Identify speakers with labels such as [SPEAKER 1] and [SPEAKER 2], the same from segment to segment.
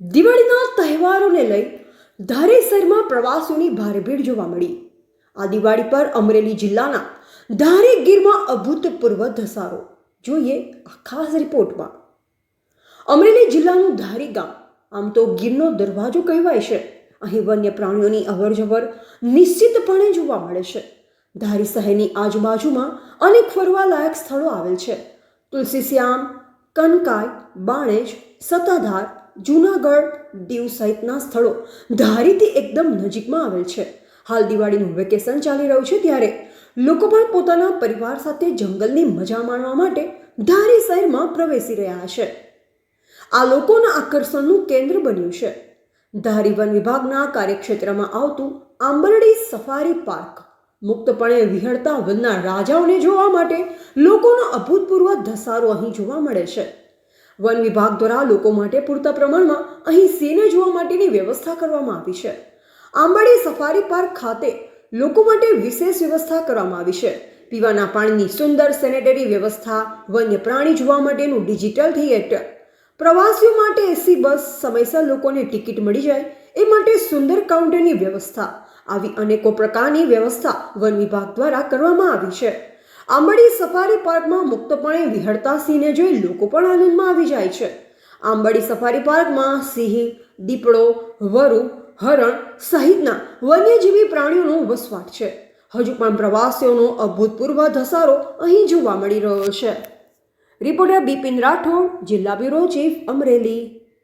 [SPEAKER 1] દિવાળીના તહેવારોને લઈ ધારી શહેરમાં પ્રવાસીઓની ભારે ભીડ જોવા મળી। આ દિવાળી પર અમરેલી જિલ્લાના ધારી ગીરમાં અભૂતપૂર્વ ધસારો। જોઈએ આ ખાસ રિપોર્ટમાં। અમરેલી જિલ્લાનું ધારી ગામ આમ તો ગીરનો દરવાજો કહેવાય છે। અહીં વન્ય પ્રાણીઓની અવરજવર નિશ્ચિતપણે જોવા મળે છે। ધારી શહેરની આજુબાજુમાં અનેક ફરવાલાયક સ્થળો આવેલ છે। તુલસીશ્યામ, કનકાઈ, બાણેજ, સત્તાધાર, જૂનાગઢ, દીવ સહિતના સ્થળો ધારીથી એકદમ નજીકમાં આવેલ છે। હાલ દિવાળીનું વેકેશન ચાલી રહ્યું છે, ત્યારે લોકો પણ પોતાના પરિવાર સાથે જંગલની મજા માણવા માટે ધારી શહેરમાં પ્રવેશી રહ્યા છે। આ લોકોના આકર્ષણનું કેન્દ્ર બન્યું છે। ધારી વન વિભાગના કાર્યક્ષેત્રમાં આવતું આંબરડી સફારી પાર્ક મુક્તપણે વિહળતા વનના રાજાઓને જોવા માટે લોકોનો અભૂતપૂર્વ ધસારો અહીં જોવા મળે છે। વન વિભાગ દ્વારા લોકો માટે પૂરતા પ્રમાણમાં અહીં સિંહને જોવા માટેની વ્યવસ્થા કરવામાં આવી છે। આંબરડી સફારી પાર્ક ખાતે લોકો માટે વિશેષ વ્યવસ્થા કરવામાં આવી છે। પીવાના પાણીની સુંદર સેનેટરી વ્યવસ્થા, વન્ય પ્રાણી જોવા માટેનું ડિજિટલ થિયેટર, પ્રવાસીઓ માટે એસી બસ, સમયસર લોકોને ટિકિટ મળી જાય એ માટે સુંદર કાઉન્ટરની વ્યવસ્થા, આવી અનેકો પ્રકારની વ્યવસ્થા વન વિભાગ દ્વારા કરવામાં આવી છે। આંબરડી સફારી પાર્કમાં મુક્તપણે વિહળતા સિંહને જોઈ લોકો પણ આનંદમાં આવી જાય છે। આંબરડી સફારી પાર્કમાં સિંહ, દીપડો, વરુ, હરણ સહિતના વન્યજીવી પ્રાણીઓનો વસવાટ છે। હજુ પણ પ્રવાસીઓનો અભૂતપૂર્વ ધસારો અહીં જોવા મળી રહ્યો છે। રિપોર્ટર બિપિન રાઠોડ, જિલ્લા બ્યુરો ચીફ, અમરેલી।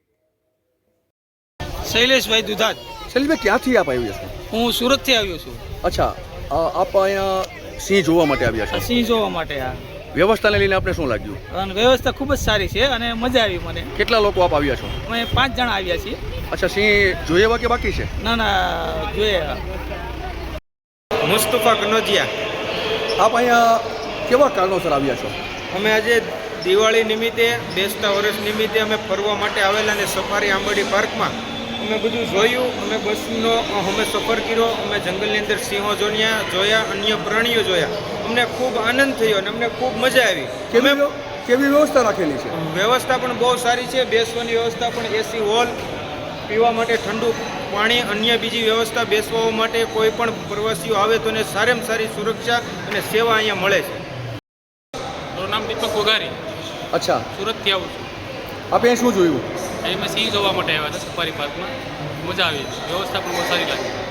[SPEAKER 2] શૈલેષભાઈ દુધાત।
[SPEAKER 3] શૈલેષભાઈ, ક્યાંથી આપ આવ્યા છો?
[SPEAKER 2] હું સુરતથી આવ્યો છું।
[SPEAKER 3] અચ્છા, આપ અહીંયા સિંહ જોવા માટે આવ્યા છો?
[SPEAKER 2] સિંહ જોવા માટે। આ
[SPEAKER 3] વ્યવસ્થાને લઈને આપણે શું લાગ્યું?
[SPEAKER 2] અને વ્યવસ્થા ખૂબ જ સારી છે અને મજા આવી મને।
[SPEAKER 3] કેટલા લોકો આપ આવ્યા છો?
[SPEAKER 2] અમે 5 જણા આવ્યા છીએ।
[SPEAKER 3] અચ્છા, સિંહ જોયા કે બાકી છે?
[SPEAKER 2] ના ના, જોઈએ। મુસ્તફા કનોજિયા।
[SPEAKER 3] આપ અહીંયા કેવા કારણોસર આવ્યા છો?
[SPEAKER 4] અમે આજે દિવાળી નિમિત્તે, બેસતા વર્ષ નિમિત્તે અમે ફરવા માટે આવેલા અને સફારી આંબરડી પાર્કમાં અમે બધું જોયું। અમે બસનો અમે સફર કર્યો, અમે જંગલની અંદર સિંહો જોયા, અન્ય પ્રાણીઓ જોયા। અમને ખૂબ આનંદ થયો અને અમને ખૂબ મજા આવી।
[SPEAKER 3] કેવી વ્યવસ્થા રાખેલી છે?
[SPEAKER 4] વ્યવસ્થા પણ બહુ સારી છે। બેસવાની વ્યવસ્થા પણ એસી હોલ, પીવા માટે ઠંડુ પાણી, અન્ય બીજી વ્યવસ્થા, બેસવા માટે કોઈ પણ પ્રવાસીઓ આવે તો એને સારામાં સારી સુરક્ષા અને સેવા અહીંયા મળે છે।
[SPEAKER 5] મારું નામ દીપક ગોગારી।
[SPEAKER 3] અચ્છા,
[SPEAKER 5] સુરતથી આવું છું।
[SPEAKER 3] આપે અહીં શું જોયું?
[SPEAKER 5] અહીં મેં સિંહ જોવા માટે આવ્યા હતા સફારી પાર્કમાં। મજા આવી, વ્યવસ્થા પણ બહુ સારી લાગી।